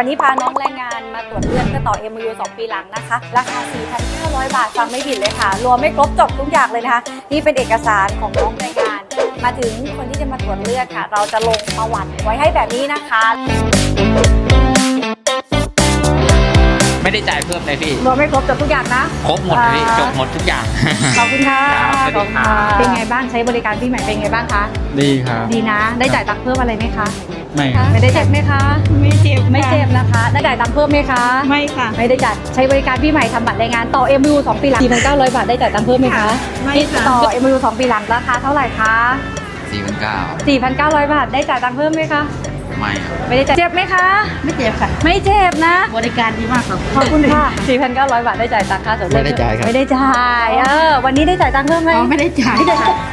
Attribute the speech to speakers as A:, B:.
A: วันนี้พาน้องแรงงานมาตรวจเลือดเพื่อต่อ MOU 2 ปีหลังนะคะราคา 4,900 บาทฟังไม่ผิดเลยค่ะรวมไม่ครบจบทุกอย่างเลยนะคะนี่เป็นเอกสารของน้องแรงงานมาถึงคนที่จะมาตรวจเลือดค่ะเราจะลงประวัติไว้ให้แบบนี้นะคะ
B: ไม่ได้จ่ายเพิ่มเลยพี่
A: รวมไม่ครบจบทุกอย่างนะ
B: ครบหมดเลยพี่จบหมดทุกอย่าง
A: ขอบคุณค่ะ
B: ขอบคุณค่ะ
A: เป็นไงบ้างใช้บริการพี่ใหม่เป็นไงบ้างคะ
C: ดีครับ
A: ดีนะได้จ่ายตังค์เพิ่มอะไรไหมคะ
C: ไม่ครับ
A: ไม่ได้เจ็บไหมคะ
D: ไม่เจ็บ
A: ไม่เจ็บนะคะได้จ่ายตังค์เพิ่มไหมคะ
D: ไม่ค่ะ
A: ไม่ได้จ่ายใช้บริการพี่ใหม่ทำบัตรแรงงานต่อ MOU 2 ปีหลัง 4,900 บาทได้จ่ายตังค์เพิ่มไหมคะ
D: ไม่ค่ะ
A: ต่อ MOU 2 ปีหลังราคาเท่าไหร่คะ 4,900 บาทได้จ่ายตังค์เพิ่มไหมคะ
B: ไม่ครับ
A: ไม่ได้จ่ายเจ็บไหมคะ
D: ไม่เจ็บค่ะ
A: ไม่เจ็บนะ
D: บริการดีมากค่ะ
A: ขอบคุณค่ะ 4,900 บาทได้จ่ายตังค่าส่วน
C: ไม่ได้จ่ายครับ
A: ไม่ได้จ่ายวันนี้ได้จ่ายตังค์เพิ่มไหม
D: อ๋อไม่ได้จ่าย
A: ไม่ได้จ่าย